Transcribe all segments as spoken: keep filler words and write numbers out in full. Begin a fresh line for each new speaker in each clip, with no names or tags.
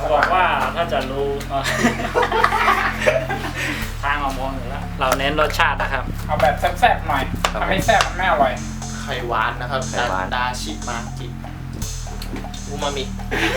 บอกว่าถ้าจะรู้ทางเรามองอยู่แล้วเราเน้นรสชาตินะครับ
เอาแบบแซ่บๆหน่อยถ้าไม่แซ่บมันไม่อร่อย
ไข่หวานนะครับไข่หวานดาชิมาจิอูมามิ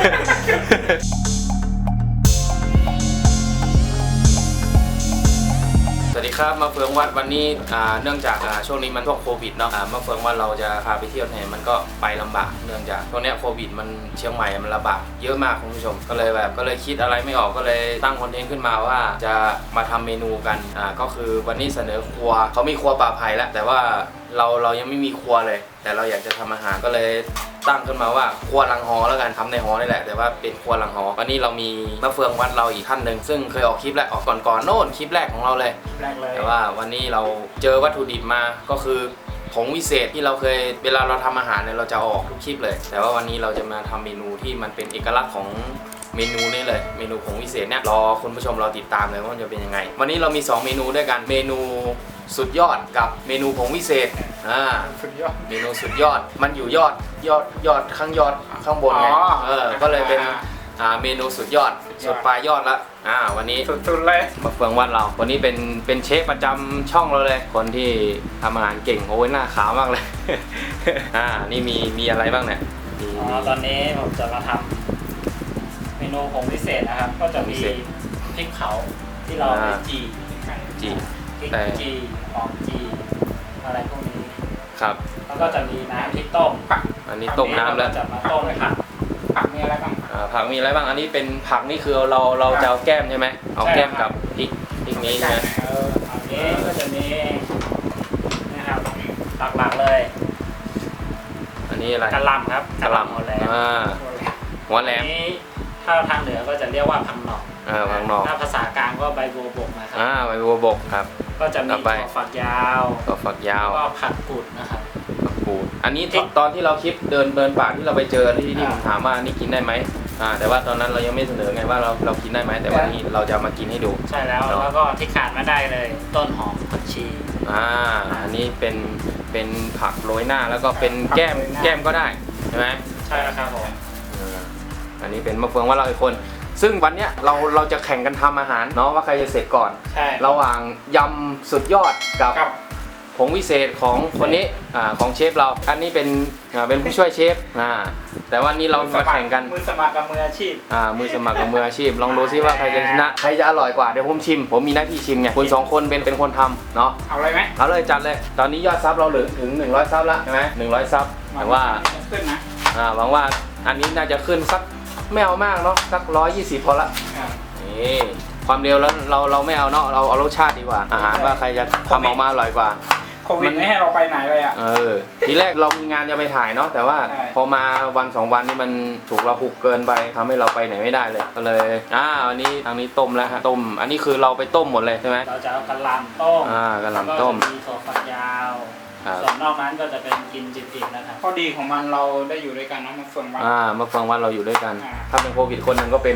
สวัสดีครับมาเฟืองวัดวันนี้เนื่องจากช่วงนี้มันพวกโควิดเนาะมาเฟืองวัดเราจะพาไปเที่ยวไหนมันก็ไปลำบากเนื่องจากตอนนี้โควิดมันเชียงใหม่มันระบาดเยอะมากคุณผู้ชมก็เลยแบบก็เลยคิดอะไรไม่ออกก็เลยตั้งคอนเทนต์ขึ้นมาว่าจะมาทำเมนูกันอ่าก็คือวันนี้เสนอครัวเขามีครัวป่าไผ่แล้วแต่ว่าเราเรายังไม่มีครัวเลยแต่เราอยากจะทำอาหารก็เลยตั้งขึ้นมาว่าครัวลังหอแล้วกันทำในหอนี่แหละแต่ว่าเป็นครัวลังหอวันนี้เรามีมะเฟืองวัดเราอีกท่านหนึ่งซึ่งเคยออกคลิปแรกออกก่อนก่อนโน่นคลิปแรกของเราเลย
แรกเลย
แต่ว่าวันนี้เราเจอวัตถุดิบมาก็คือผงวิเศษที่เราเคยเวลาเราทำอาหารเนี่ยเราจะออกทุกคลิปเลยแต่ว่าวันนี้เราจะมาทำเมนูที่มันเป็นเอกลักษณ์ของเมนูนี้เลยเมนูผงวิเศษเนี่ยรอคุณผู้ชมเราติดตามเลยว่ามันจะเป็นยังไงวันนี้เรามีสองเมนูด้วยกันเมนูสุดยอดกับเมนูผงวิเศษอ่า
สุดยอด
เมนูสุดยอดมันอยู่ยอดยอดยอดข้างยอดข้างบนไงเออก็เลยเป็นอ่าเมนูสุดยอดสุดปลายยอดละอ่าวันนี้
สุดๆเลย
มาเฟืองวัดเราวันนี้เป็นเป็นเชฟประจำช่องเราเลยคนที่ทำอาหารเก่งโอ้ยหน้าขาวมากเลยอ่านี่มีมีอะไรบ้างเนี่ย
อ๋อตอนนี้ผมจะมาทำเมนูผงพิเศษนะครับก็จะมีพริกเผาที่เราไปจี
จี
พริกจีหอมจีอะไรพวกนี้
ครับ
แล้วก็จะมีน้ำพริกต้ม
ผักอันนี้ต้มน้ำแล้ว
จะมาต้มเลยครับ
ผักมีอะไรบ้าง
อ่าผักมีอะไรบ้างอันนี้เป็นผักนี่คือเราเราจะเอาแก้มใช่ไหมเอาแก้มกับพริกพริกนี้ใช่ไหม
เอออันนี้ก็จะมีนะครับหลักๆเลย
อันนี้อะไร
กะหล่ำครับ
กะหล่ำ
หัวแหลม
หัวแหลม
นี้ถ้าทางเหนือก็จะเรียกว่าพังหนอก
อ่าพังหนอก
ถ้าภาษากลางก็ใบบัวบกนะครับ
อ่าใบบัวบกครับ
ก็จะมีถั่วฝักยาว
ถั่วฝักยาว
ก็ผักกูดนะครับ
ผักกูดอันนี้ตอนที่เราคลิปเดินเดินป่าที่เราไปเจอที่ที่ผมถามว่านี่กินได้ไหมอ่าแต่ว่าตอนนั้นเรายังไม่เสนอไงว่าเราเรากินได้ไหมแต่วันนี้เราจะมากินให้ดู
ใช่แล้วแล้วก็ที่ขาดไม่ได้เลยต้นหอมผักชี
อ่าอันนี้เป็นเป็นผักโรยหน้าแล้วก็เป็นแก้มแก้มก็ได้ใช่ไหม
ใช่แล้วครับผม
อันนี้เป็นมะเฟืองว่าเราอีกคนซึ่งวันเนี้ยเราเราจะแข่งกันทำอาหารเนาะว่าใครจะเสร็จก่อนระหว่างยำสุดยอดกับผงวิเศษของคนนี้อ่าของเชฟเราอันนี้เป็นอ่าเป็นผู้ช่วยเชฟอ่าแต่วันนี้เรามาแข่งกัน
มือสมัครกับมืออาชีพ
อ่ามือสมัครกับมืออาชีพลองดูซิว่าใครจะชนะใครจะอร่อยกว่าเดี๋ยวผมชิมผมมีหน้าที่ชิมไงคุณสองคนเป็นเป็นคนทำเนาะ
เอาเลยไหม
เอาเลยจัดเลยตอนนี้ยอดซับเราเหลือถึงหนึ่งร้อยซับแล้วใช่ไหมหนึ่งร้อยซับแต่ว่า
ขึ้นนะ
อ่าหวังว่าอันนี้น่าจะขึ้นสักไม่เอามากเนาะสักร้อยยี่สิบพอละนี่ความเร็วแล้วเราเราไม่เอาเนาะเราเอารสชาติดีกว่าอาหารว่าใครจะทำออกมาอร่อยกว่า
โควิดไม่ให้เราไปไหนเลยอ่ะ
เออทีแรกเรามีงานจะไปถ่ายเนาะแต่ว่าพอมาวันสองวันนี่มันถูกเราหุกเกินไปทำให้เราไปไหนไม่ได้เลยก็เลยอ่าวันนี้ทางนี้ต้มแล้วฮะต้มอันนี้คือเราไปต้มหมดเลยใช่ไหม
เราจะเอากะหล่ำต้ม
อ่ากะหล่ำต้ม
มีถั่วฝักยาวส่วนนอกนั้นก็จะเป็นกินจิบๆนะครับ
ข้อดีของมันเราได้อยู่ด้วยกันนะมะเฟืองวัด
อ่ามะเฟืองวัดเราอยู่ด้วยกันถ้าเป็นโควิดคนหนึ่งก็เป็น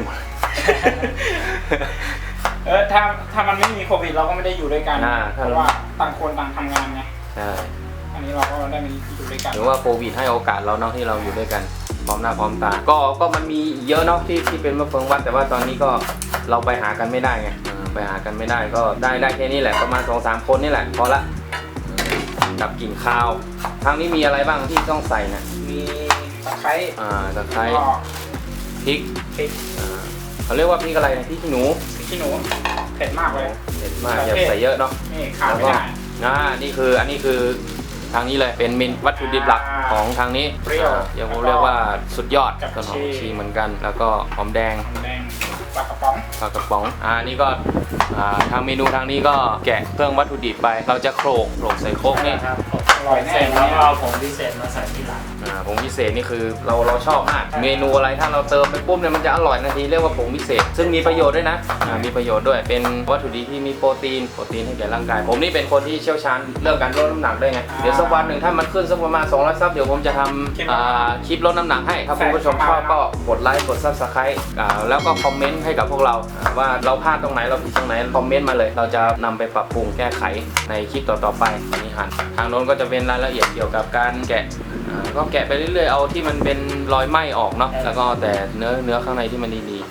เออถ้าถ้ามันไม่มีโควิดเราก็ไม่ได้อยู่ด้วยกันเพราะว่าต่างคนต่างทำงานไง
ใช่
อันนี้เราก็ได้มาอยู่ด้วยกัน
หรือว่าโควิดให้โอกาสเราเนาะที่เราอยู่ด้วยกันพร้อมหน้าพร้อมตาก็ก็มันมีเยอะเนาะที่ที่เป็นมะเฟืองวัดแต่ว่าตอนนี้ก็เราไปหากันไม่ได้ไงไปหากันไม่ได้ก็ได้ได้แค่นี้แหละประมาณ สองสาม คนนี่แหละพอละกับกลิ่นข้าวทางนี้มีอะไรบ้างที่ต้องใส่นะ
มีตะไคร้
อ่าตะไคร้พริก
พริก
อ่าเขาเรียกว่าพริกอะไรนะพริกขี้หนู
พริกขี้หนูเผ็ดมากเลย
เผ็ดมากอย่าใส่เยอะเนาะ
นี่ขาดไม่ได้
อ่านี่คืออันนี้คือทางนี้เลยเป็นเมนวัตถุดิบหลักของทางนี้
เรียก
เรียกว่าสุดยอดต้นหอมชีเหมือนกันแล้วก็หอมแดง
ปลากระป๋อง
ปลากระป๋องอ่านี่ก็อ่าทางเมนูทางนี้ก็แกะเครื่องวัตถุดิบไปเราจะโขลกโขลกใส่โครกนี่
ครับอร่อยแน่แล้วก็เอาผงพิเศษมาใส่ที่หลัง
อ่าผงพิเศษนี่คือเราเราชอบมากเมนูอะไรถ้าเราเติมไปปุ๊บเนี่ยมันจะอร่อยทันทีเรียกว่าผงพิเศษซึ่งมีประโยชน์ด้วยนะอ่ามีประโยชน์ด้วยเป็นวัตถุดิบที่มีโปรตีนโปรตีนให้แก่ร่างกายผมนี่เป็นคนที่เชี่ยวชาญเรื่องการลดน้ำหนักด้วยไงเดี๋ยวสักวันหนึ่งถ้ามันขึ้นสักประมาณสองร้อยซับเดี๋ยวผมจะทำอ่าคลิปลดน้ำหนักให้ถ้าคุณผู้ชมชอบก็กดไลค์กดซับสไครต์อ่าแล้วก็คอมเมนต์ให้กับพวกเราว่าเราพลาดตรงไหนเราผิดตรงไหนคอมเมนต์มาเลยเราจะนำไปปรับปรุงแก้ไขในคลิปต่อๆไปตอนนี้หันทางโน้นก็จะเป็นรายละเอียดเกี่ยวกับการแกะก็แกะไปเรื่อยๆเอาที่มันเป็นรอยไหม้ออกเนาะแล้วก็แต่เนื้อเนื้อข้างในที่มันดีๆ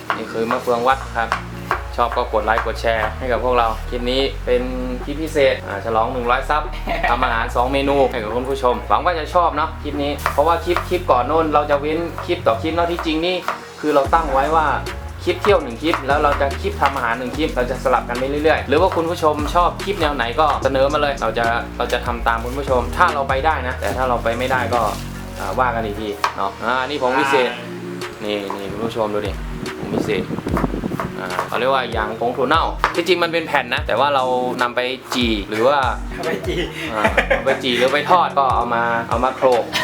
นี่คือมะเฟืองวัดครับชอบก็กดไลค์กดแชร์ให้กับพวกเราคลิปนี้เป็นคลิปพิเศษฉลองหนึ่งร้อยซับทำอาหารสองเมนูให้กับคุณผู้ชมหวังว่าจะชอบเนาะคลิปนี้เพราะว่าคลิปคลิปก่อนโน้นเราจะเว้นคลิปต่อคลิปเนาะที่จริงนี่คือเราตั้งไว้ว่าคลิปเที่ยวหนึ่งคลิปแล้วเราจะคลิปทำอาหารหนึ่งคลิปเราจะสลับกันไปเรื่อยๆหรือว่าคุณผู้ชมชอบคลิปแนวไหนก็เสนอมาเลยเราจะเราจะทำตามคุณผู้ชมถ้าเราไปได้นะแต่ถ้าเราไปไม่ได้ก็ว่ากันอีกทีเนาะอ่านี่ผงพิเศษนี่นี่คุณผู้ชมดูดิผงพิเศษอ่าเขาเรียกว่าอย่างผงถั่วเน่าที่จริงมันเป็นแผ่นนะแต่ว่าเรานำไปจี่หรือว่า
ไปจี
อ่าเอาไปจี่หรือไปทอดก็เอามาเอามาโขลก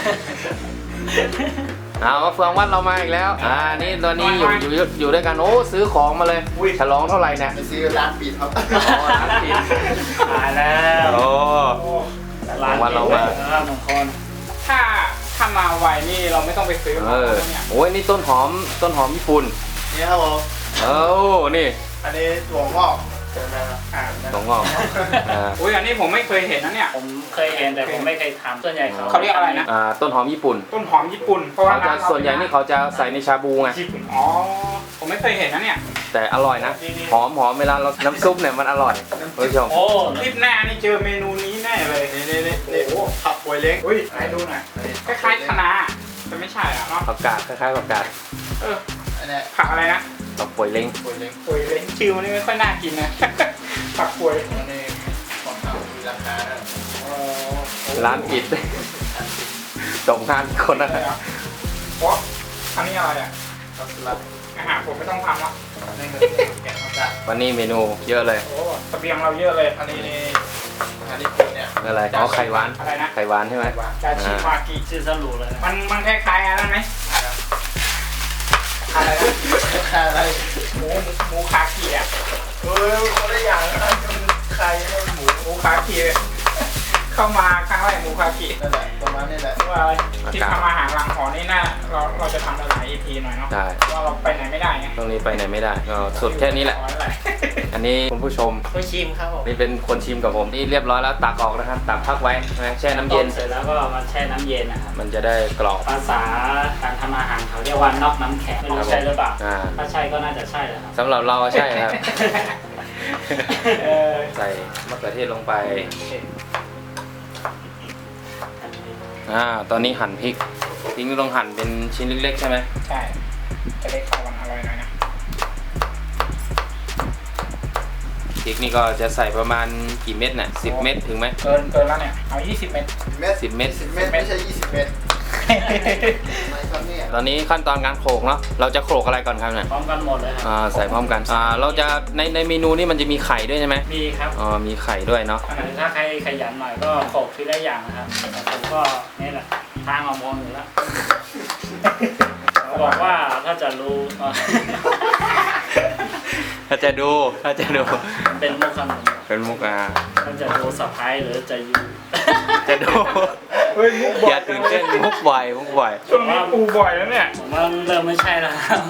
เอามาเฟืองวัดเรามาอีกแล้วอ่านี่ตอนนี้อยู่อยู่อยู่ด้วยกันโอ้ซื้อของมาเลยฉลองเท่าไหร่เนี่ย
ไปซื้อร้านปิดครับ
อ๋อร้านปิด
ตายแล้ว
โอ้
ร้าน
วันเรามา
ครับมงคล
ถ้าถ้ามาไวนี่เราไม่ต้องไปซื้อ
เออ
เนี่ย
โอ้ยนี่ต้นหอมต้นหอมญี่ปุ่น
นี่ครับผม
เอ้านี่
อันนี้ถั่วงอก
อ่า
ตรงงอกอ่า
อุ้ยอันนี้ผมไม่เคยเห็นนะเนี่ย
ผมเคยเห็นแต่ผมไม่เคยทำส่วนใหญ่เขา
เขาเรียกอะไรนะ
อ่าต้นหอมญี่ปุ่น
ต้นหอมญี่ปุ่นเพราะว่า
เขาจะ
ร้าเรา
ส่วนใหญ่นี่เขาจะใส่ในชาบูไง
ญี่ปุ่นอ๋อผมไม่เคยเห็นนะเนี่ย
แต่อร่อยนะหอมหอมเวลาเราน้ำซุปเนี่ยมันอร่อยคุณผู้ชม
โอ้
คลิปหน้านี่เจอเมนูนี้แน่เลย
นี่นี่นี่นี่ผักป่วยเล้ง
อุ้ยไหนดูหน่อยคล้ายๆคะน้าแต่ไม่ใช่อ่ะเนาะ
ผักกาดคล้ายๆผักกาด
เออ
อันนี้
ผักอะไรนะ
ผักป่วยเล้ง
ป่วยเล้ง
ป่วยเล้งชื่อมันนี่ไม่ค่อยน่ากินนะ ผักป่วย
อันนี้ของทางมีราคานะ
อ๋อ
ร้านปิดตกงานคนนะ
อะไรอ่ะโอ้อันนี้อะไรอ่ะ
ข้าวสลัด
อาหารผมไม่ต้องทำละ
นี่คือแกงข้าวสลัด
วันนี้เมนูเยอะเลย
โอ้เสบียงเราเยอะเลย
อันนี้นี่อาหารญี่ปุ่นเนี่ย
อะไรอ๋อไข่หวาน
อะไรนะ
ไข่หวานใช่ไหม
ดาชิมากิ
ชื่อสรุปเลยนะ
มันมันคล้ายๆอะไรไหมอะไรนะ
อะไร
หมูหมูคากิอ่ะ
เฮ้ยคนละอย่างนะมันไข่มันหมู
หมูคากิเข้ามาครั้งแรกหมูคากิ
นั่นแหละประมาณนี้แหละ
ว่าอะไรที่ทำอาหารหลังหอนี่น่าเราเราจะทำหลาย อี พี หน่อยเนาะ
ได้
ว่าเราไปไหนไม่ได้ไง
ตรงนี้ไปไหนไม่ได้ก็สุดแค่นี้แหละ
ขอแหละ
อันนี้คุณผู้ชม
ผู้ชิมครับผม
นี่เป็นคนชิมกับผมนี่เรียบร้อยแล้วตักออกนะครับตักพักไว้นะแช่น้ำเย็น
ต้มเสร็จแล้วก็มาแช่น้ำเย็นนะครับ
มันจะได้กรอบ
ภาษาการทำอาหารเขาเรียกว่านอกน้ำแข็งไม่รู้ใช่หรือเปล่า
อ่า
ถ้าใช่ก็น่าจะใช่แหละครับ
สำหรับเราใช่ครับ
เออ
ใส่มะเขือเทศลงไปอ่าตอนนี้หั่นพริกพริกนี่ต้องหั่นเป็นชิ้นเล็กๆใช่ไหม
ใช่จะได้เข้ากันอร่อยหน่อยนะ
พริกนี่ก็จะใส่ประมาณกี่เม็ดน่ะสิบเม็ดถึงไหม
เกินเกินแล้วเนี่ยเอายี่สิบเมตร
เม็ด
สิบเม็ด
สิบเม็ดไม่ใช่ยี่สิบเม็ดไม่ครับเนี่ย
ตอนนี้ขั้นตอนการโขลกเนาะเราจะโขลกอะไรก่อนครับเนี่ย
พร้อมกันหมดเลยครับ
อ่าใส่พร้อมกันอ่าเราจะในในเมนูนี่มันจะมีไข่ด้วยใช่ไหม
มีครับ
อ๋อมีไข่ด้วยเนาะ
ถ้าใครขยันหน่อยก็โขลกทีละอย่างนะครับแต่ผมก็นี่แหละทางออกมองอยู่แล้วเขาบอกว่าถ้าจะรู้
ถ้าจะดูถ้าจะดู
เป็นมุกขนม
เป็นมุกอ่า
ถ้าจะดูสะพ้ายหรือจะอยู่
จะดู
เฮ้ยมุกบ่
อย่าตื่นเต้นมุกบ่อยมุกบ่อย
ช่วงนี้ปูบ่อยแล้วเนี่ย
ผมว่าเริ่มไม่ใช่แล้วครับ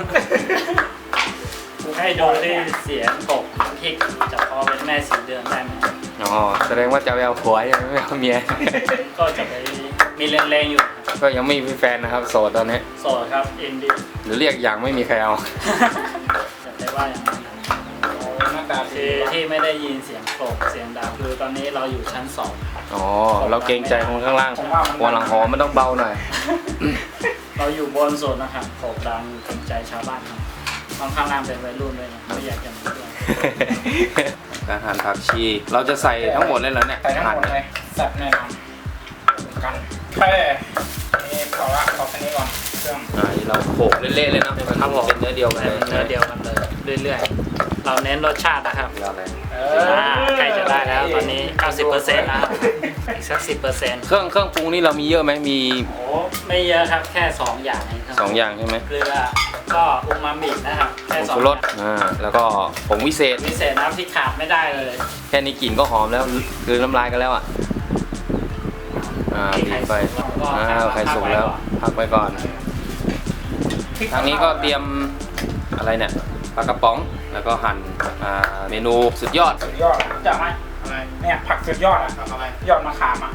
ให้ดูที่เสียงตกพริกจะพอเป็นแม่สีเดือนได้ไหม
อ๋อแสดงว่าจะไปเอาผัวยังไม่เอาเมีย
ก็จะไปมีแรงๆอยู่ครับ
ก็ยังไม่มีแฟนนะครับโสดตอนนี้
โสดครับอินดี้
หรือเรียกอย่างไม่มีใครเอา
จะได้ว่าอย่างนั้นนะ
โอ้หน้าตาดี
คือที่ไม่ได้ยินเสียงโกรกเสียงดังคือตอนนี้เราอยู่ชั้นสอง
อ๋อเราเกรงใจคนข้างล่างวันหลังหอมันต้องเบาหน่อย
เราอยู่บนสุดนะครับโกรกดังเกรงใจชาวบ้านครับข้างข้างล่างเป็นวัยรุ่นด้วยนะไม่อยากจะมีเรื่อง
การหั่นผักชีเราจะใส่ทั้งหมดเลยเหรอเนี่ย
ใส่ทั้ง
หั่น
หมดเลยสับแน่นอนกันแค่นี่พอละพอแค่นี้ก่อนเครื่อง
อ่านี่เราโขลกเละๆเลยเนาะให้มันเป็นเนื้อเดียวกันเลย
เนื้อเดียวกันเลยเรื่อยๆเราเน้นรสชาตินะครับ
เดียวเลย
เอ
อ่าใกล้จะได้แล้วตอนนี้ เก้าสิบเปอร์เซ็นต์ แล้วครับอีกสัก สิบเปอร์เซ็นต์
เครื่องเครื่องปรุงนี่เรามีเยอะไหมมี
โอ้ไม่เยอะครับแค่สองอย่างเองครับ
สองอย่างใช่ไหม
เกลือก็อูมามินะครับแค่
ผง
สอง
ชูรสอ่าแล้วก็ผงวิเศษ
พิเศษน้ำที่ขาดไม่ได้เลย
แค่นี้กลิ่นก็หอมแล้วคือน้ำลายกันแล้วอ่ะอ่า
มี
ปิ
ไข่
ดไฟ
สุกแล้วก็
อ่าไข่สุกแล้วพักไว้ก่อนทางนี้ก็เตรียมอะไรเนี่ยปลากระป๋องแล้วก็หั่นอ่าเมนูสุดยอด
สุดยอดจากไหม
อะไร
เนี่ยผักสุดยอดอะ
ทำอะไร
ยอดมะขามอ่ะ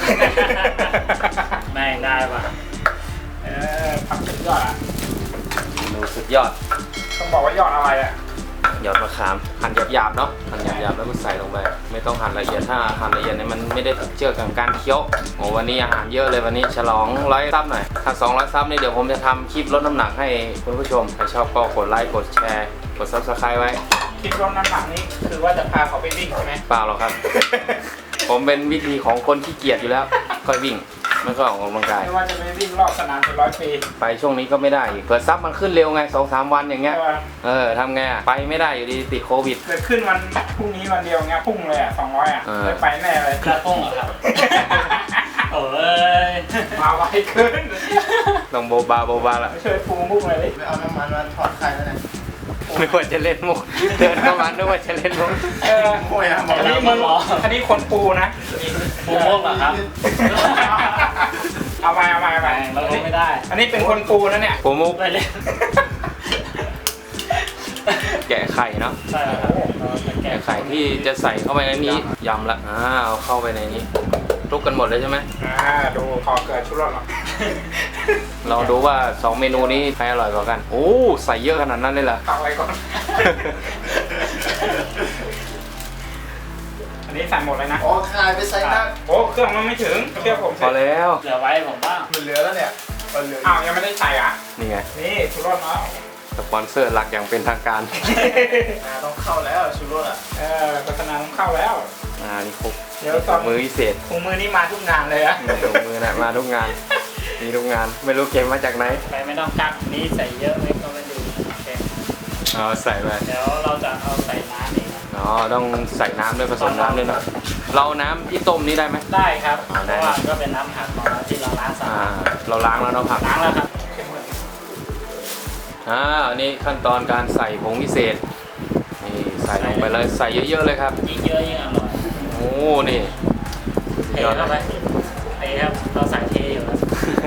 ไม่ได้ว่ะ
เออผักสุดยอดอ่ะ
เมนูสุดยอด
ต้องบอกว่ายอดอะไรอ่ะ
หยอดมะขามหั่นหยาบๆเนาะหั่นหยาบๆแล้วก็ใส่ลงไปไม่ต้องหั่นละเอียดถ้าหั่นละเอียดเนี่ยมันไม่ได้เชื่อกับการเคี้ยวโอ้วันนี้อาหารเยอะเลยวันนี้ฉลองร้อยซับหน่อยถ้าสองร้อยซับเนี่ยเดี๋ยวผมจะทำคลิปลดน้ำหนักให้คุณผู้ชมใครชอบก็กดไลค์กดแชร์กดซับสไครต์ไว้
คิดว่าน้ำหนักนี้คือว่าจะพาเขาไปวิ่งใช่ไหม
เปล่าหรอกครับ ผมเป็นวิธีของคนขี้เกียจอยู่แล้วค่อยวิ่งไม่ก็ออกกำลังกาย
ไม่ว่าจะไปวิ่งรอบสนามเป็นร้อยปี
ไปช่วงนี้ก็ไม่ได้อีกเปิดซับมันขึ้นเร็วไงสองสามวันอย่างเงี้ย
แต่ว่า
เออทำไงอะไปไม่ได้อยู่ดีติดโควิด
เกิดขึ้นวันพรุ่งนี้วันเดียวเงี้ยพุ่งเลยอ่ะสองร้อยอ่ะ
เออ
ไม่ไปแน่เลย
กระพุ่งเหรอครับ โอ้ย
มาไวเกิน
ต้องโบบาโบบาละ
ไม่ช่วยฟูมุกเลยดิ
ไม่เอาน้ำมันมาถอดไข่แล้วนะ
นึกว่าจะเล่นมุกเดินเข้ามานึกว่าจะเล่นมุก
เออ
โอ้ยนะหม
อั
ด
น
แล้
นี้
ว
มึงอันนี้คนปูนะ
ปูโมกเหรอครับ
เอาไปเอาไปเอาไป
แม่งเราลงไม่ได้
อันนี้เป็นคนปูนะเนี่ย
ปูมุก
ไปเลย
แกะไข่เนาะ
ใช่ครับเราจะแกะ
แกะไข่ที่จะใส่เข้าไปในนี้ยำละอ่าเอาเข้าไปในนี้คลุกกันหมดเลยใช่ไหม
อ่าดูพอเกิดชุดรถหรอ
เราดูว่าสองเมนูนี้ใครอร่อยกว่ากันโอ้ใส่เยอะขนาดนั้นเลยเหรอ
ตักไว้ก่อน อันนี้ใส่หมดเลยนะ
โอ้คายไปใส่หน้า
โอ้เครื่องมันไม่ถึงเชื่อผม
พอแล้ว
เหลือไว้ผมบ้าง
มันเหลือแล้วเนี่ยมันเหลือ
อ้าวยังไม่ได้ใส่อ่ะ
นี่ไง
นี่ชุดรถเนาะ
สปอนเซอร์หลักอย่างเป็นทางการ
อ่าต้องเข้าแล้วชูรสอ่ะ
เออโฆษณาต้องเข้าแล้ว
อ่านี่ครบ
เดี๋ยวตอน
มือพิเศษ
ถุงมือนี่มาทุกงานเลยอะ
นี่ลงมือนะมาทุกงานมีทุกงานไม่รู้เก็บมาจากไหน
ไปไม่ต้องกักนี้ใส่เยอะไหมก็ไม่ดูโอเค
เอาใส่ไป
เดี๋ยวเราจะเอาใส่น้ำนี่ครับ
อ๋อต้องใส่น้ำด้วยผสมน้ำด้วยเนอะเราน้ำที่ต้มนี้ได้ไหม
ได้ครับ
อ๋อ
เพ
ได้
ราะว่าก็เป็นน้ำผักของเราที่เราล้างสะ
อ่า
อาด
เราล้างแล้วเนาะผัก
ล้างแล้วครับ
อ่าอันนี้ขั้นตอนการใส่ผงพิเศษนี่ใส่ลงไปเลยใส่เยอะๆเลยครับ
ยิ่งเยอะยิ่งอร่อย
โอ้นี่
เทเข้าไปเทครับเราใส่เทอยู่แล้ว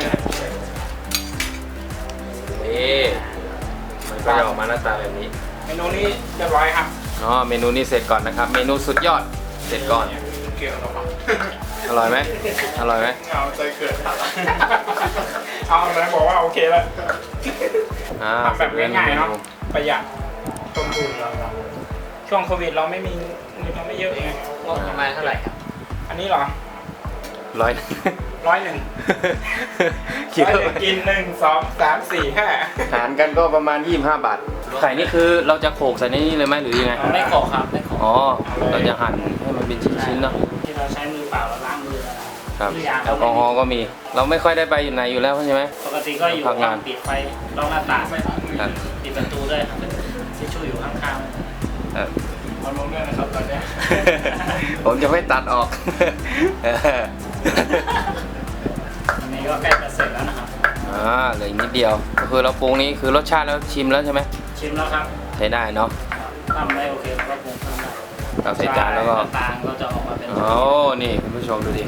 นี่มันก็จะออกมาหน้าตาแบบนี้
เมนูนี้เรียบร้อยครับ
อ๋อเมนูนี้เสร็จก่อนนะครับ เมนูสุดยอดเสร็จก่อน
เกี่ยวกับ
อร่อยไหมอร่อยไหม
เอาใจเกิดครับ
เอาเลยบอกว่าโอเคแล้ว
อ่า
ทำแบบง่ายๆเนาะประหยัดต้นทุนช่วงโควิดเราไม่มีเราไม่เยอะเอง
งบประมาณเท่าไหร่ครับ
อันนี้เหรอ
ร้อย
ร้อยหนึ่ง
คิด
ร้อย
ว่า
หนึ่งกินหนึ่งสองสามสี่ห้า
หารกันก็ประมาณยี่สิบห้าบาทไข่นี่คือเราจะโขลกใส่ในนี้เลยไหมหรือยังไง
ไม่ขอครับไม่ขอ
อ๋อเราจะหั่นให้มันเป็นชิ้นๆเนาะ
ที่เราใช้มือเปล่าเราล้างมือแล้วนะครับ ทุกอย่าง
แอลกอฮอล์ก็มี เราไม่ค่อยได้ไปอยู่ไหนอยู่แล้วใช่ไหม
ปกติก็อยู่
พักงาน
ปิดไฟล็อกหน้าต่าง
ครับ
ปิดประตูด้วยครับทิชชู่อยู่ข้างๆ
เออ
เอาลงด้วยนะครับตอนเนี้ย
ผมจะไม่ตัดออกเออ
อันนี้ก็ใกล้จะเสร็จแล้วนะครับ
อ่าเหลืออีกนิดเดียวก็คือเราปรุงนี้คือรสชาติแล้วชิมแล้วใช่ไหม
ชิมแล้วครับ
ใช้ได้เนาะ
ทำได้โอเคเราก็ปรุงเพิ่มได้
เราใส่จานแล้วก็
หน้ต่างก็จะออกมาเป็น
โอ้นี่คุณผู้ชมดูดินี่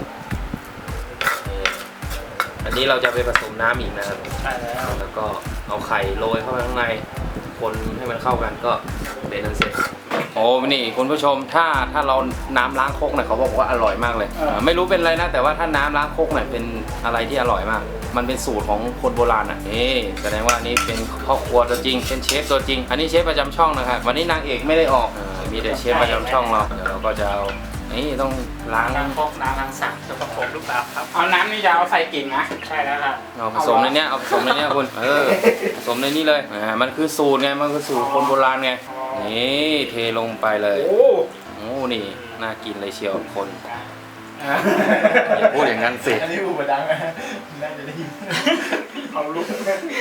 อันนี้เราจะไปผสมน้ำอีกนะครับ
ใช่แล้ว
แล้วก็เอาไข่โรยเข้าไปข้างในคนให้มันเข้ากันก็เป็นอันเสร็จโอ้นี่คุณผู้ชมถ้าถ้าเราน้ำล้างโคกเนี่ยเขาบอกว่าอร่อยมากเลยอ่าไม่รู้เป็นอะไรนะแต่ว่าถ้าน้ำล้างโคกเนี่ยเป็นอะไรที่อร่อยมาก มันเป็นสูตรของคนโบราณอ่ะนี่แสดงว่าอันนี้เป็นพ่อครัวตัวจริงเป็นเชฟตัวจริง อันนี้เชฟประจำช่องนะครับวันนี้นางเอกไม่ได้ออกอ่ามีแต่เชฟประจำช่องเราเดี๋ยวเราก็จะเอานี่ต้องล้าง
ล้างครกน้ำล้างสักจะประกบหรือเปล่าครับ
เอาน้ำนี่จะเอาใส่กิ่งนะ
ใช่แล้วครับ
เอาผสมในเนี้ยเอาผสมในเนี้ยคุณเออผสมในนี้เลยอ่ามันคือสูตรไงมันคือสูตรคนโบราณไงนี่เทลงไปเลย
โอ้
โอ้นี่น่ากินเลยเชียวคน
อ่ะ
อย่าพูดอย่างนั้นสิ
อันนี้อูบดังนะน่าจะได้ยิน
เอาลุก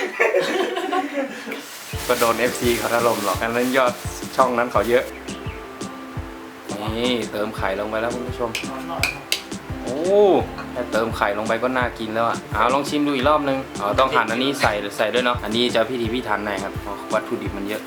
ก็โดน เอฟ ซี เขาถล่มหรอกอันนั้นยอดช่องนั้นเขาเยอะนี่เติมไข่ลงไปแล้วคุณผู้ชมโอ้แค่เติมไข่ลงไปก็น่ากินแล้วอ่ะเอาลองชิมดูอีกรอบนึงอ๋อต้องหั่นอันนี้ใส่ใส่ด้วยเนาะอันนี้จะพิถีพิถันหน่อยครับเพราะวัตถุดิบมันเยอะ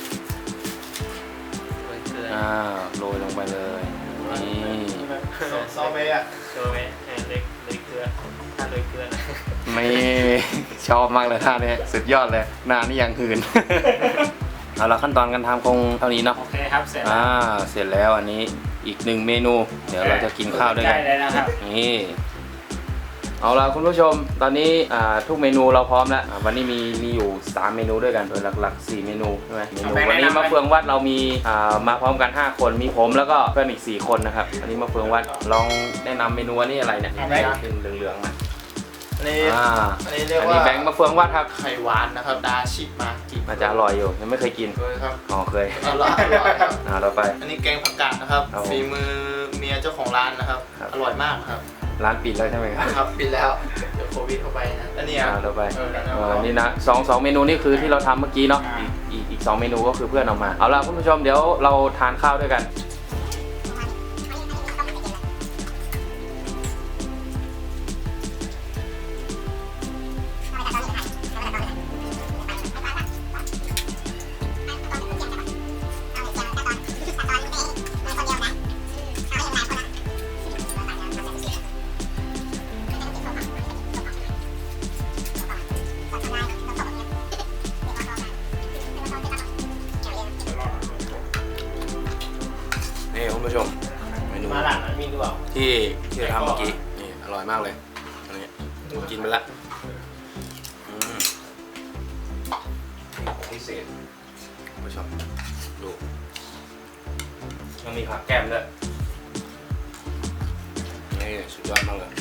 อ่าโรยลงไปเลยนี่
ซอเบะอ่ะ
โชว์ไหมเล็กเล็กเกลือถ้าเล็กเกลือนะ
ไม่ชอบมากเลยท่านี้สุดยอดเลยหน้านี่ยังหืน เอาละขั้นตอนการทำคงเท่านี้เนาะ
โอเคครับเสร็จแล้
อ่าว เสร็จแล้วอันนี้อีกหนึ่งเมนู เดี๋ยวเราจะกินข้าวด้วยกั
ได้
น
เลยนะครับ
นี่เอาละคุณผู้ชมตอนนี้อ่าทุกเมนูเราพร้อมแล้วอ่าวันนี้มีมีอยู่สามเมนูด้วยกันโดยหลักๆสี่เมนูใช่ไหมเมนูวันนี้มะเฟืองวัดเรามีอ่ามาพร้อมกันห้าคนมีผมแล้วก็เพื่อนอีกสี่คนนะครับวันนี้มะเฟืองวัดลองแนะนำเมนูอันนี้อะไรเนี่ยเป็นเหลืองๆนะ
อันนี้
อ่า
อันนี้เรียก
อัน
ว่า
นี้แบงค์มะเฟืองวัดครับ
ไข่หวานนะครับดาชิมากิ
น่าจะอร่อยอยู่ยังไม่เคยกิน
เลยครับ
อ๋อเคย
อร่อยอร่อยครับ
อ่าต่อไป
อันนี้แกงผักกาดนะครับ
ครับผม
ฝีมือเมียเจ้าของร้านนะครับ
ครับ
อร่อยมากครับ
ร้านปิดแล้วใช่ไหมครับ
ครับปิดแล้วเดี๋ยวโควิดเข้าไปนะอันนี้
อ่า
อ่ะ
ต่อไป
เออแล้ว
เออนี่นะสองสองเมนูนี่คือที่เราทำเมื่อกี้เนาะอีกอีกอีกสองเมนูก็คือเพื่อนเอามาเอาละคุณผู้ชมเดี๋ยวเราทานข้าวด้วยกันนี่คุณผู้ชมเมนู
มาหลังนั้นมีด้วย
ที่ที่เราทำเมื่อกี้นี่อร่อยมากเลยอันนี้กินไปละอืมพิเศษคุณผู้ชมดูยังมีผักแก้มด้วยนี่สุดยอดมากเลย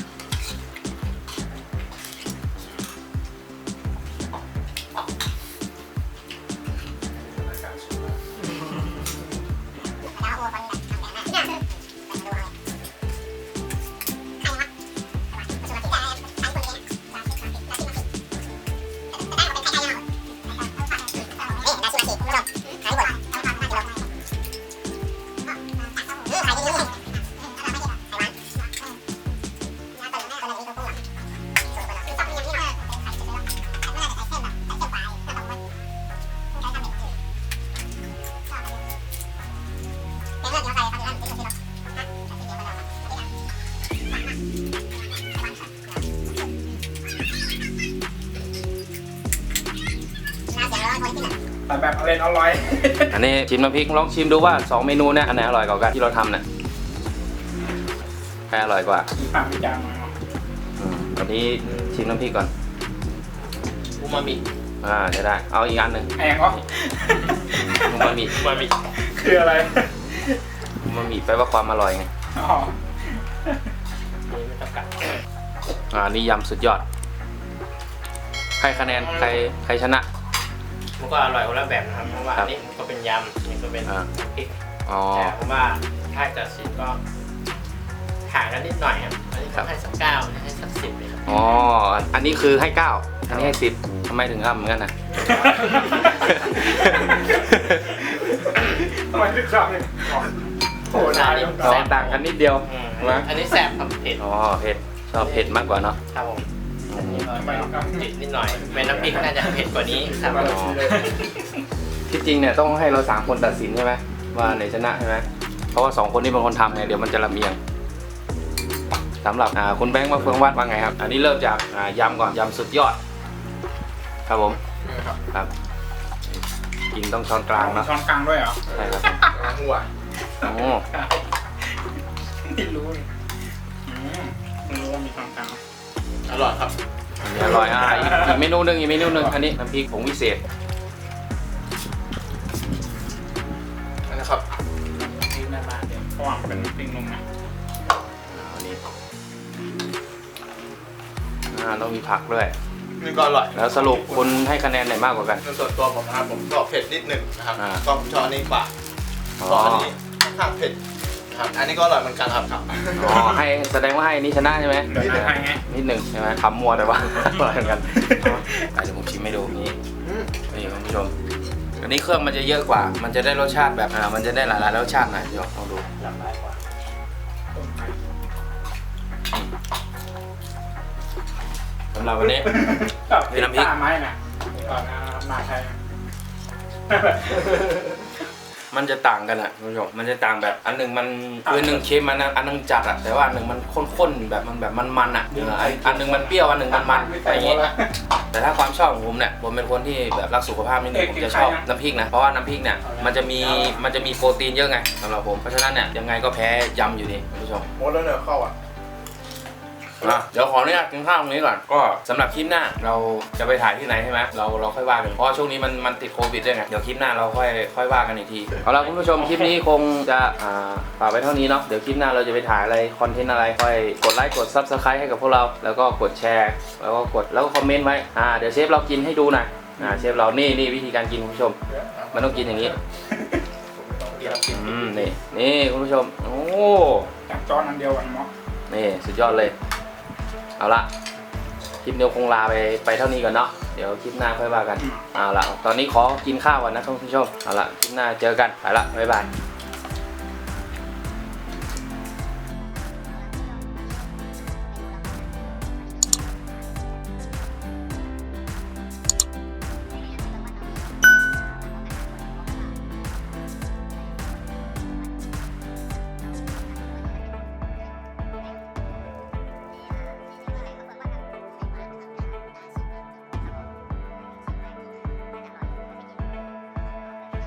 แต่แบบอร่อยอร่อย
อันนี้ชิมน้ำพริกลองชิมดูว่าสองเมนูเนี่ยอันไหนอร่อยกว่ากันที่เราทำเนี่ยใครอร่อยกว่า
ปากจางมา
อืมอันนี้ชิมน้ำพริกก่อน
อูมามิ
อ่าจะได้เอาอีกอันหนึ่ง
แองก็
อูมามิ
อูมามิ
คืออะไร
อูมามิแปลว่าความอร่อยไง
อ๋อ
นี่ไม่ต้องกัด
อ่านี่ยำสุดยอดใครคะแนนใครใครชนะ
มันก็อร่อยคนละแบบนะครับเพราะว่า
ครั
อั
บ
นนี้ก็เป็นยำอันนี้ก็เป็น
อ่า
พริก
อ๋อ
แต่ผมว่าถ้าตัดสินก็ห่างกันนิดหน่อยครับอันนี้
ครั
ก็
บ
ให้สักเก้าอันนี้ให้สักสิบเลยครับ
อ๋ออันนี้คือให้เก้าอันนี้ให้สิบทำไมถึงอ้ำเหมือนกันนะ
ทำไมถึงขับเลยโอ้โหนาน
สองต่างกันนิดเดียว
อืม
นะ
อันนี้แสบครับเผ็ด
อ๋อเผ็ดชอบเผ็ดมากกว่าเนาะ
ครับผม
อืม
ทำไมถึงขับ
เผ็ดนิดหน่อยเป็นน้ำพริกน่าจะเผ็ดกว่านี้ครับ
อ๋อ ที่จริงเนี่ยต้องให้เราสามคนตัดสินใช่ไหมว่าไหนชนะใช่ไหมเพราะว่าสองคนนี้เป็นคนทำไงเดี๋ยวมันจะลำเอียงสำหรับอ่าคุณแบงค์มาเฟืองวัดว่าไงครับ อันนี้เริ่มจากอ่ายำก่อนยำสุดยอด ครับผม
ครับ
ครับ กินต้องช้อนกลางเนาะ
ช้อนกลางด้วยเหรอ
ใช่ครับ
หัว
โอ้
ไม่รู้เลยอืมไม่รู้ว่ามีช้อนกลาง
อร่อยครับ
อันนี้อร่อยอ่ะอีกอีกเมนูหนึ่งอีกเมนูหนึ่งอันนี้น้ำพริกผงวิเศษ
อันนี้ครับ
พริกหน้าบ้านเดี๋ยวเพราะว่ามันเป็นพริกนมนะ
อ่าอันนี้อ่าต้องมีผักด้วย
นี่ก็อร่อย
แล้วสรุปคุณให้คะแนนไหนมากกว่ากัน
ในส่วนตัวผมนะครับผมชอบเผ็ดนิดหนึ่งนะครับ
อ่า
ก็ผมชอบอันนี้กว่า
อ๋อ
เพราะอันนี้ค่อนข้างเผ็ดนะครับอันนี้ก็อร่อยเหมือนกันครับครับ
อ๋อให้แสดงว่าให้อันนี้ชนะใช่ไหม
เดี๋ยวจะให้ไง
นิดหนึ่งใช่ไหมคำมัวแต่ว่า อร่อยเหมือนกันอ่ะเดี๋ยวผมชิมให้ดูนี่นี่คุณผู้ชมอันนี้เครื่องมันจะเยอะกว่า มันจะได้รสชาติแบบอ่ามันจะได้หลายๆรสชาติหน่อยเดี๋ยวลองดู
หลากหลายกว่า
สำหรับวันนี้ มีน้ำพริก
ตาไม้น่ะก่อนนะมาไทย
มันจะต่างกันอ่ะคุณผู้ชมมันจะต่างแบบอันหนึ่งมันคือหนึ่งเค็มอันนั้นอันหนึงจัดอ่ะแต่ว่าอันหนึ่งมันข้นๆแบบมันแบบมันๆอ่ะเอออันอันหนึ่งมันเปรี้ยวอันหนึ่งมันมันอะไรอย่างเงี้ยแต่ถ้าความชอบของผมเนี่ยผมเป็นคนที่แบบรักสุขภาพนิดนึงผมจะชอบน้ำพริกนะเพราะว่าน้ำพริกเนี่ยมันจะมีมันจะมีโปรตีนเยอะไงสำหรับผมเพราะฉะนั้นเนี่ยยังไงก็แพ้ยำอยู่ดีคุณผู้ชม
หมดแล้วเนี่ยเข้าอ่ะ
อ่ะเดี๋ยวขออนุญาตกินข้าวตรงนี้ก่อนก็สำหรับคลิปหน้าเราจะไปถ่ายที่ไหนใช่ไหมเราเราค่อยว่ากันเพราะช่วงนี้มันมันติดโควิดด้วยไงเดี๋ยวคลิปหน้าเราค่อยค่อยว่ากันอีกทีเอาละคุณผู้ชมคลิปนี้คงจะอ่าฝากไว้เท่านี้เนาะเดี๋ยวคลิปหน้าเราจะไปถ่ายอะไรคอนเทนต์อะไรค่อยกดไลค์กด ซับสไครบ์ ให้กับพวกเราแล้วก็กดแชร์แล้วก็กดแล้วก็คอมเมนต์ไว้อ่าเดี๋ยวเชฟเรากินให้ดูหน่อยอ่าเชฟเรานี่นี่วิธีการกินคุณผู้ชมมันต้องกินอย่างนี้
เดี๋ยวเรากิน
อืมนี่นี่คุณผู้ชมโอ้
จากจอนอันเดียวกันเนาะ
นี่สุดยอดเลยเอาละคลิปเดียวคงลาไปไปเท่านี้ก่อนเนาะเดี๋ยวคลิปหน้าค่อยว่ากันเอาละตอนนี้ขอกินข้าวก่อนนะคุณผู้ชมเอาละคลิปหน้าเจอกันไปละบ๊ายบาย